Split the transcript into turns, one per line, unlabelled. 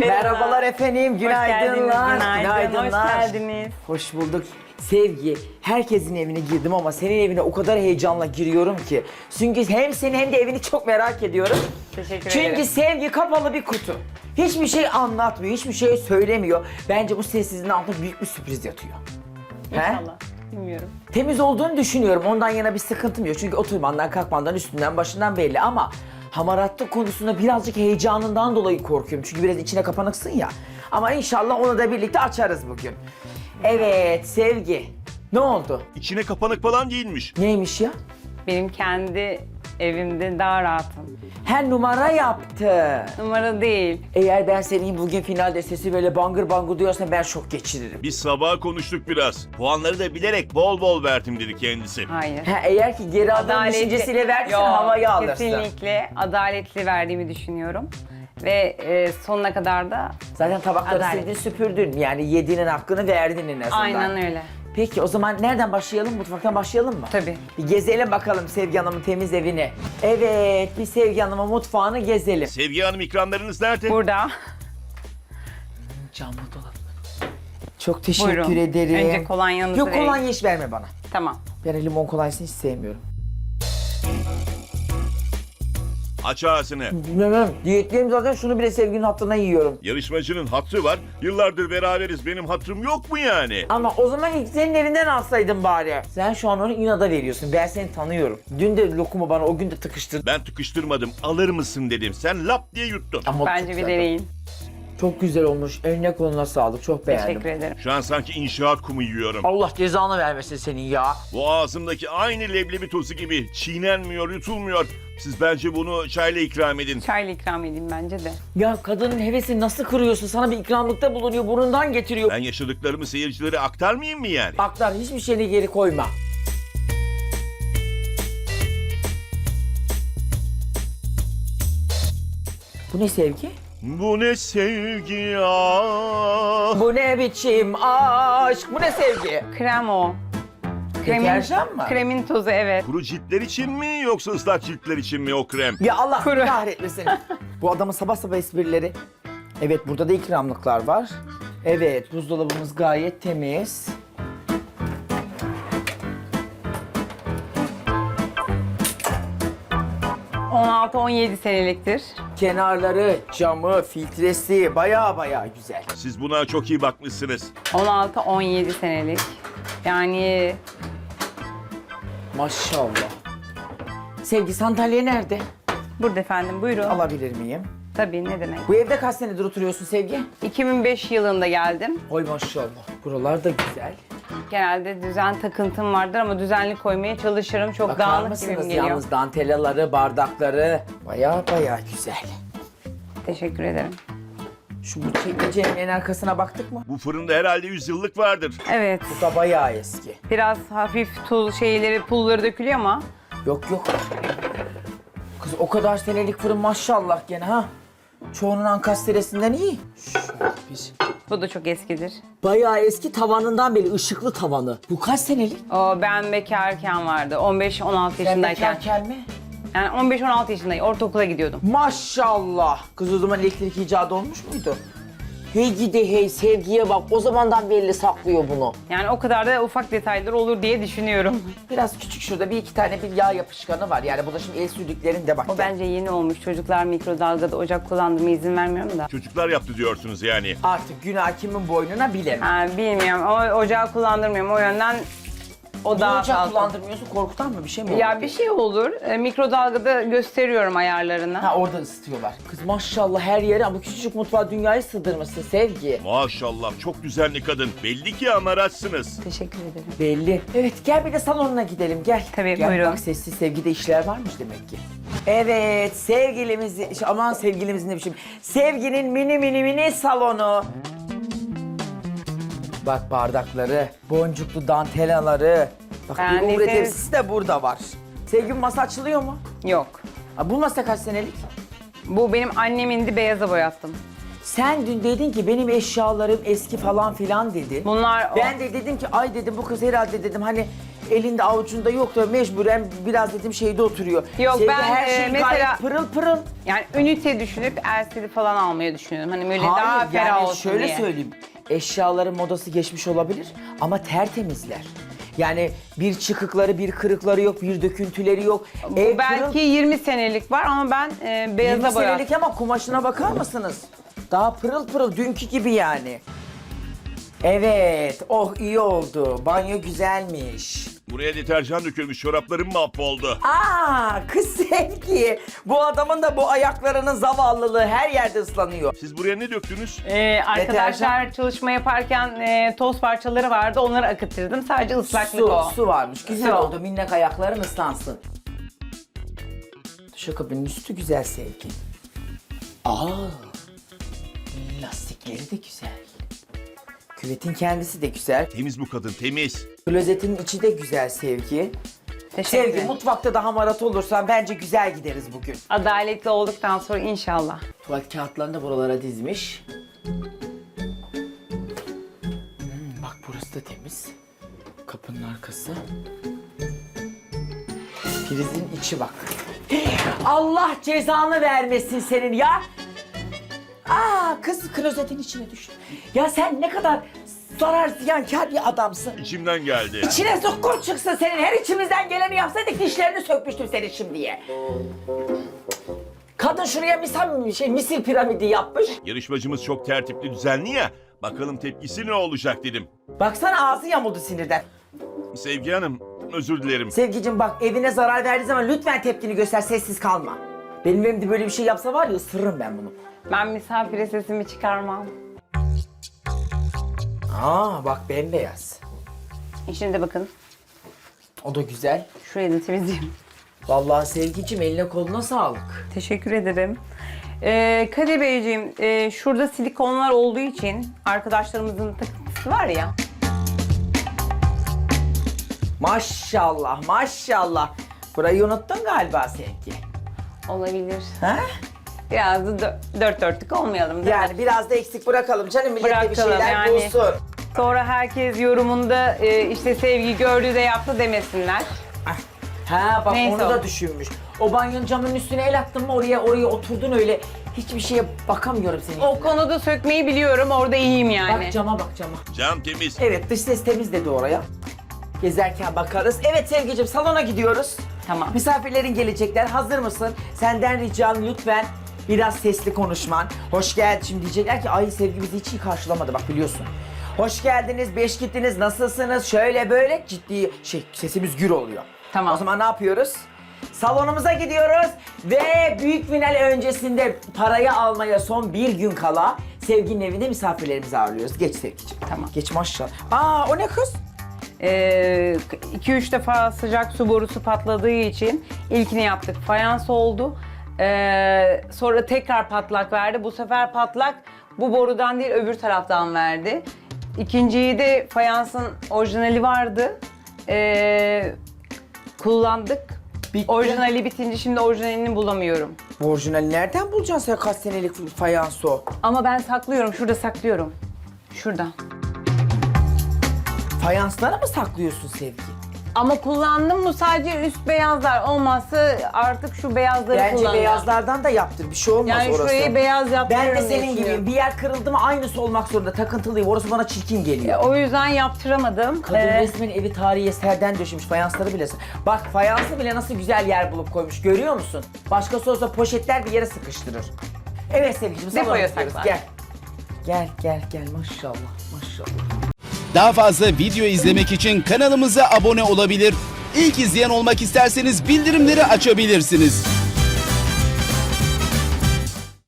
Merhabalar efendim, günaydınlar.
Günaydın, hoş geldiniz.
Hoş bulduk. Sevgi, herkesin evine girdim ama senin evine o kadar heyecanla giriyorum ki. Çünkü hem seni hem de evini çok merak ediyorum.
Teşekkür
Çünkü
ederim.
Sevgi kapalı bir kutu. Hiçbir şey anlatmıyor, hiçbir şey söylemiyor. Bence bu sessizliğin altında büyük bir sürpriz yatıyor. He?
İnşallah. Bilmiyorum.
Temiz olduğunu düşünüyorum. Ondan yana bir sıkıntım yok. Çünkü oturmandan, kalkmandan, üstünden, başından belli ama hamaratlık konusunda birazcık heyecanından dolayı korkuyorum. Çünkü biraz içine kapanıksın ya. Ama inşallah onu da birlikte açarız bugün. Evet, Sevgi. Ne oldu?
İçine kapanık falan değilmiş.
Neymiş ya?
Benim kendi evimde daha rahatım.
Her numara yaptı.
Numara değil.
Eğer ben senin bugün finalde sesi böyle bangır bangır duyarsan ben şok geçiririm.
Biz sabah konuştuk biraz. Puanları da bilerek bol bol verdim dedi kendisi.
Hayır.
Ha, eğer ki geri adım düşüncesiyle versen
Yok,
havayı alırsın.
Kesinlikle adaletli verdiğimi düşünüyorum. Ve sonuna kadar da
Zaten tabakları
Adalet.
sildin, süpürdün. Yani yediğinin hakkını verdin en azından.
aynen öyle.
Peki o zaman nereden başlayalım? Mutfaktan başlayalım mı?
Tabii.
Bir gezelim bakalım Sevgi Hanım'ın temiz evini. Evet, bir Sevgi Hanım'ın mutfağını gezelim.
Sevgi Hanım ikramlarınız nerede?
Burada.
Camlı dolap. Çok teşekkür
Buyurun.
ederim.
Önce kolonyanızı
Yok,
vereyim.
kolonya hiç verme bana.
Tamam.
Ben limon kolonyasını hiç sevmiyorum.
Aç ağzını.
Bilmem. Diyetliyim zaten, şunu bile Sevgi'nin hatırına yiyorum.
Yarışmacının hatrı var. Yıllardır beraberiz. Benim hatrım yok mu yani?
Ama o zaman ilk senin evinden alsaydın bari. Sen şu an onu inada veriyorsun. Ben seni tanıyorum. Dün de lokumu bana o gün de tıkıştırdın.
Ben tıkıştırmadım. Alır mısın dedim. Sen lap diye yuttun.
Ama
Bence
çok
bir
güzel.
deneyin.
Çok güzel olmuş. Eline koluna sağlık. Çok beğendim.
Teşekkür ederim.
Şu an sanki inşaat kumu yiyorum.
Allah cezanı vermesin senin ya.
Bu ağzımdaki aynı leblebi tozu gibi çiğnenmiyor, yutulmuyor. Siz bence bunu çayla ikram edin.
Çayla ikram edeyim bence de.
Ya kadının hevesini nasıl kırıyorsun? Sana bir ikramlıkta bulunuyor, burnundan getiriyor.
Ben yaşadıklarımı seyircilere aktarmayayım mı yani?
Aktar, hiçbir şeyini geri koyma. Bu ne Sevgi?
Bu ne sevgi ya?
Bu ne biçim aşk? Bu ne Sevgi?
Krem o.
Deterjan mı?
Kremin tozu, evet.
Kuru ciltler için mi yoksa ıslak ciltler için mi o krem?
Ya Allah
Kuru.
kahretmesin. Bu adamın sabah sabah esprileri. Evet, burada da ikramlıklar var. Evet, buzdolabımız gayet temiz.
...16 17 seneliktir.
Kenarları, camı, filtresi baya güzel.
Siz buna çok iyi bakmışsınız.
16 17 senelik. Yani
Maşallah. Sevgi, sandalye nerede?
burada efendim, buyurun.
Alabilir miyim?
Tabii, ne demek.
Bu evde kaç senedir oturuyorsun Sevgi?
2005 yılında geldim.
Oy maşallah. Buralar da güzel.
Genelde düzen takıntım vardır ama düzenli koymaya çalışırım. Çok
Bakar
dağınık
mısınız
gibim geliyor.
yalnız dantellaları, bardakları baya güzel.
Teşekkür ederim.
Şu bu çekmecenin en arkasına baktık mı?
Bu fırında herhalde 100 yıllık vardır.
Evet.
Bu da bayağı eski.
Biraz hafif tuz şeyleri, pulları dökülüyor ama
Yok. Kız o kadar senelik fırın maşallah gene ha. Çoğunun ankastresinden iyi.
bu da çok eskidir.
Bayağı eski, tavanından beri ışıklı tavanı. Bu kaç senelik?
O ben bekarken vardı. 15-16
Sen
yaşındayken.
bekarken mi?
Yani 15-16 yaşındayım. Ortaokula gidiyordum.
Maşallah. Kız o zaman elektrik icadı olmuş muydu? Hey gidi hey, Sevgiye bak, o zamandan belli saklıyor bunu.
Yani o kadar da ufak detaylar olur diye düşünüyorum.
Biraz küçük, şurada bir iki tane bir yağ yapışkanı var. Yani bu da şimdi el sürdüklerinde bak.
O bence yeni olmuş. Çocuklar mikrodalgada ocak kullandırmaya izin vermiyorum da.
Çocuklar yaptı diyorsunuz yani.
Artık günah kimin boynuna bilemem.
Ha, bilmiyorum. O ocağı kullandırmıyorum. O yönden o
Niye
daha
ocak
fazla.
kullandırmıyorsun? Korkutan mı bir şey mi oldu?
Ya bir şey olur. Mikrodalgada gösteriyorum ayarlarını.
Ha, orada ısıtıyorlar. Kız maşallah her yere ama küçücük mutfağa dünyayı sığdırmışsın Sevgi.
Maşallah çok düzenli kadın. Belli ki amaraçsınız.
Teşekkür ederim.
Belli. Evet, gel bir de salonuna gidelim, gel.
Tabii,
Gel,
buyurun.
bak sessiz Sevgi'de işler varmış demek ki. Evet, aman sevgilimizin ne biçim. Sevginin mini salonu. Bak bardakları, boncuklu dantellaları. Bak bir
Yani
umre
sev-
tepsisi de burada var. Sevginin masa açılıyor mu?
Yok.
Ha, bu masa kaç senelik?
Bu benim annemindi, beyaza boyattım.
Sen dün dedin ki benim eşyalarım eski falan filan dedin.
Bunlar
Ben de dedim ki ay dedim bu kız herhalde dedim hani elinde avucunda yok da mecburen biraz dedim şeyde oturuyor.
Yok,
Sevgi,
ben,
her şey
mesela-
gayet pırıl pırıl.
Yani ünite düşünüp LCD falan almayı düşünüyorum. Hani böyle daha
Hayır
ferah
yani
olsun
şöyle
diye.
söyleyeyim. Eşyaların modası geçmiş olabilir ama tertemizler. Yani bir çıkıkları, bir kırıkları yok, bir döküntüleri yok.
Bu belki 20 senelik var ama ben
20
beyaza boyattım.
senelik ama kumaşına bakar mısınız? Daha pırıl pırıl dünkü gibi yani. Evet, oh iyi oldu. Banyo güzelmiş.
Buraya deterjan dökülmüş, çoraplarım mahvoldu.
Aa, kız Sevgi. Bu adamın da bu ayaklarının zavallılığı her yerde ıslanıyor.
Siz buraya ne döktünüz?
Arkadaşlar çalışma yaparken toz parçaları vardı. Onları akıtırdım. Sadece ıslaklık o.
Su varmış. Güzel
Su.
oldu. Minnak ayakların ıslansın. Duşakabinin üstü güzel Sevgi. Aa, lastikleri de güzel. Küvetin kendisi de güzel.
Temiz bu kadın, temiz.
Klozetin içi de güzel Sevgi.
Teşekkür
Sevgi,
ederim.
mutfakta da hamarat olursan bence güzel gideriz bugün.
Adaletli olduktan sonra inşallah.
Tuvalet kağıtlarını da buralara dizmiş. Bak burası da temiz. Kapının arkası. Prizin içi bak. Allah cezanı vermesin senin ya. Aa, kız klozetin içine düştü. Ya sen ne kadar zarar ziyankar bir adamsın.
İçimden geldi.
İçine sokkun çıksın senin. Her içimizden geleni yapsaydık dişlerini sökmüştüm senin şimdiye. Kadın şuraya misir piramidi yapmış.
Yarışmacımız çok tertipli, düzenli ya. Bakalım tepkisi ne olacak dedim.
Baksana ağzı yamuldu sinirden.
Sevgi Hanım, özür dilerim.
Sevgicim bak evine zarar verdiği zaman lütfen tepkini göster, sessiz kalma. Benim evimde böyle bir şey yapsa var ya ısırırım ben bunu.
Ben misafire sesimi çıkarmam.
Aa bak bembeyaz.
Şimdi bakın.
O da güzel.
Şurayı da temizleyeyim.
Vallahi Sevgicim eline koluna sağlık.
Teşekkür ederim. Kadir Beyciğim, şurada silikonlar olduğu için arkadaşlarımızın takıntısı var ya.
Maşallah maşallah. Burayı unuttun galiba Sevgi.
Olabilir.
Ha?
Biraz da dört dörtlük olmayalım değil mi?
Yani biraz da eksik bırakalım canım, millet de bir
Bırakalım
şeyler
yani.
bulsun.
Sonra herkes yorumunda işte Sevgi gördü de yaptı demesinler.
Ha bak
Neyse
onu
o.
da düşünmüş. O banyonun camının üstüne el attın mı oraya oturdun öyle. Hiçbir şeye bakamıyorum senin.
O konuda sökmeyi biliyorum, orada iyiyim yani.
Bak cama bak cama.
Cam temiz.
Evet dış ses temiz dedi oraya. Gezerken bakarız. Evet Sevgicim salona gidiyoruz.
Tamam.
Misafirlerin gelecekler. Hazır mısın? Senden ricam lütfen biraz sesli konuşman. Hoş geldin. Şimdi diyecekler ki ay Sevgi bizi hiç iyi karşılamadı bak biliyorsun. Hoş geldiniz, beş gittiniz, nasılsınız? Şöyle böyle ciddi sesimiz gür oluyor.
Tamam.
O zaman ne yapıyoruz? Salonumuza gidiyoruz ve büyük final öncesinde parayı almaya son bir gün kala Sevgi'nin evinde misafirlerimizi ağırlıyoruz. Geç Sevgi'ciğim.
Tamam.
Geç maşallah. Aa o ne kız?
2-3 defa sıcak su borusu patladığı için ilkini yaptık. Fayans oldu. Sonra tekrar patlak verdi. Bu sefer patlak bu borudan değil öbür taraftan verdi. İkinciyi de fayansın orijinali vardı. Kullandık.
Bitti.
Orijinali bitince şimdi orijinalini bulamıyorum.
Bu orijinali nereden bulacaksın sen kaç senelik fayans o?
Ama ben saklıyorum. Şurada saklıyorum. Şurada.
Fayanslara mı saklıyorsun Sevgi?
Ama kullandım mı sadece üst beyazlar olmazsa artık şu beyazları
Bence
kullanacağım.
beyazlardan da yaptır bir şey olmaz
Yani
orası.
şurayı beyaz yaptırırım
Ben de
diye
senin gibiyim.
düşünüyorum.
Bir yer kırıldı mı aynısı olmak zorunda. Takıntılıyım. Orası bana çirkin geliyor.
O yüzden yaptıramadım.
Kadın resmen evi tarihi eserden döşemiş. Fayansları bile. Bak fayansı bile nasıl güzel yer bulup koymuş. Görüyor musun? Başkası olsa poşetler bir yere sıkıştırır. Evet Sevgiciğim. salona
Depoya
gidiyoruz.
saklar.
Gel maşallah maşallah.
Daha fazla video izlemek için kanalımıza abone olabilir. İlk izleyen olmak isterseniz bildirimleri açabilirsiniz.